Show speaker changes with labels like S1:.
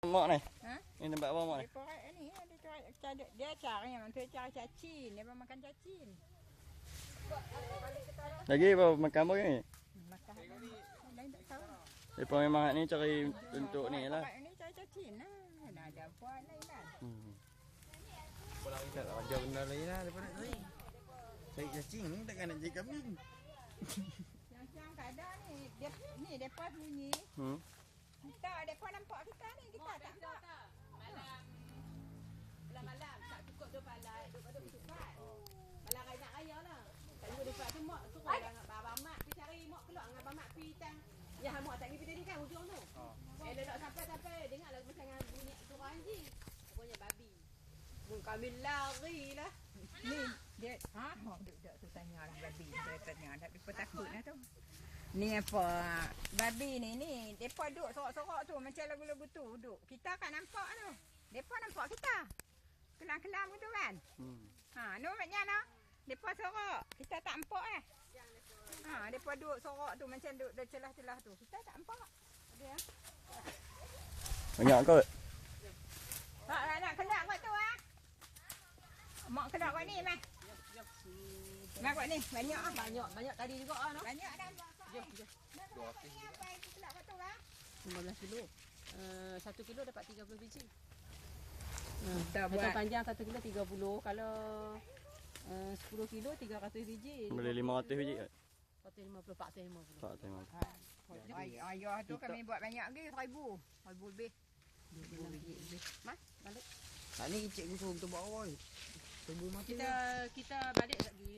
S1: Mak ni.
S2: Ha?
S1: Ini tempat apa mak ni?
S2: Ni dia cari yang tu cari cacing, dia makan cacing.
S1: Lagi apa makan apa ni?
S2: Makan. Lain tak tahu.
S1: Depa memang ni cari untuk ni lah.
S2: Ini cari cacing lah. Dah ada buat lain lah.
S3: Tak ada benda lain lah daripada tadi. Cari cacing ni takkan nak cari kambing.
S2: Yang ada ni, ni depa bunyi. Kita depa nampak kita ni, kita tak nampak.
S4: Malam tak cukup tu palai, duk cepat. Malam raya nak raya lah. Tak juga dekat tu mak suruh abang mak pergi cari mak keluar dengan abang mak pergi tang. Ya mak tak pergi tadi kan hujung tu. Elok sampai dengarlah macam bunyi suara anjing. Pokoknya babi. Kami lari lah.
S2: Ni dia duduk tu tanya orang babi, dia tanya tapi takut lah tu. Ni apa babi ni depa duduk sorok-sorok tu macam lagu-lagu tu duduk. Kita kan nampak tu. Depa nampak kita. Kelam-kelam gitu kan. No maknya no. Depa sorok, kita tak nampak depa duduk sorok tu macam duduk dah celah-celah tu. Kita tak nampak. Ada
S1: Banyak kot.
S2: nak kelak kot tu Mak kelak kot ni mah. Mak kot ni banyak
S4: Banyak tadi juga ah.
S2: Banyak dah.
S4: Jom. 15 kilo. 1 kilo dapat 30 biji.
S2: Kita
S4: Macam
S2: buat
S4: panjang 1 kilo 30. Kalau 10 kilo 300 biji.
S1: Boleh 500 biji kot.
S4: 450.
S2: ayah tu kami buat banyak lagi 1000 lebih.
S4: 2000 biji lebih. Mas, balik.
S3: Tak ni cikgu suruh kita buat awal. Tunggu mati.
S4: Kita balik lagi.